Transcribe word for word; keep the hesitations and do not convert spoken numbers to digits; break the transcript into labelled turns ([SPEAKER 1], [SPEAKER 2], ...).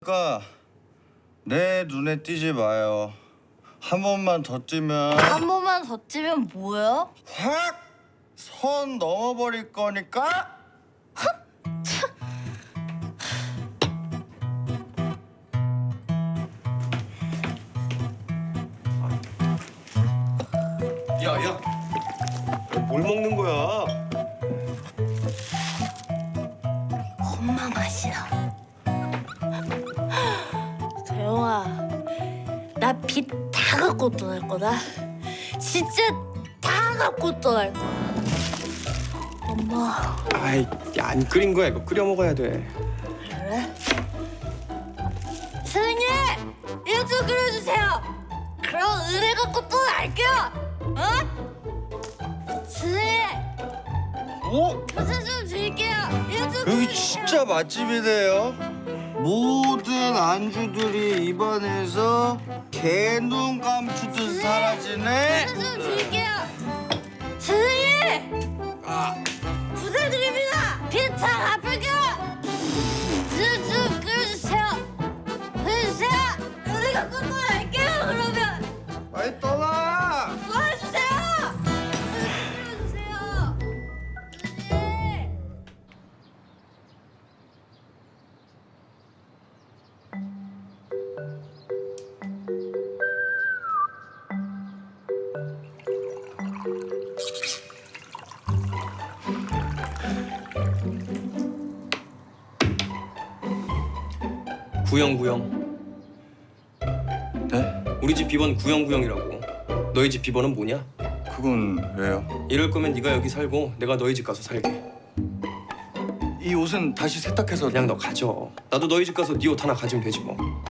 [SPEAKER 1] 테니까 내 눈에 띄지 마요. 한 번만 더 찌면
[SPEAKER 2] 한 번만 더 찌면 뭐예요?
[SPEAKER 1] 확 선 넘어버릴 거니까.
[SPEAKER 3] 야야, 뭘 먹는 거야?
[SPEAKER 2] 엄마 맛이야. 대영아, 나 빚 다 갖고 떠날 거다. 진짜 다 갖고 떠날 거야. 엄마,
[SPEAKER 3] 아이, 야, 안 끓인 거야. 이거 끓여 먹어야 돼.
[SPEAKER 2] 그래? 선생님, 이거 좀 끓여주세요. 그럼 은혜 갖고 떠날게요. 어? 선생님,
[SPEAKER 1] 오,
[SPEAKER 2] 교수 좀 드릴게요. 이거 좀
[SPEAKER 1] 여기
[SPEAKER 2] 끓여주세요.
[SPEAKER 1] 진짜 맛집이래요. 모든 안주들이 입안에서 개눈 감추듯 사라지네.
[SPEAKER 2] 교수 좀 드릴게요. 선생님,
[SPEAKER 1] 아,
[SPEAKER 2] 부탁드립니다. 빚다 갚을게요. 좀 끓여주세요. 끓여주세요. 은혜 갖고 떠날게요. 그러면
[SPEAKER 1] 빨리 떠나.
[SPEAKER 2] 도와주세요. 끓여주세요. 선생님.
[SPEAKER 3] 구형구형.
[SPEAKER 1] 네?
[SPEAKER 3] 우리 집 비번 구형구형이라고. 너희 집 비번은 뭐냐?
[SPEAKER 1] 그건 왜요?
[SPEAKER 3] 이럴 거면 네가 여기 살고 내가 너희 집 가서 살게.
[SPEAKER 1] 이 옷은 다시 세탁해서
[SPEAKER 3] 그냥 너 가져. 나도 너희 집 가서 네 옷 하나 가지면 되지 뭐.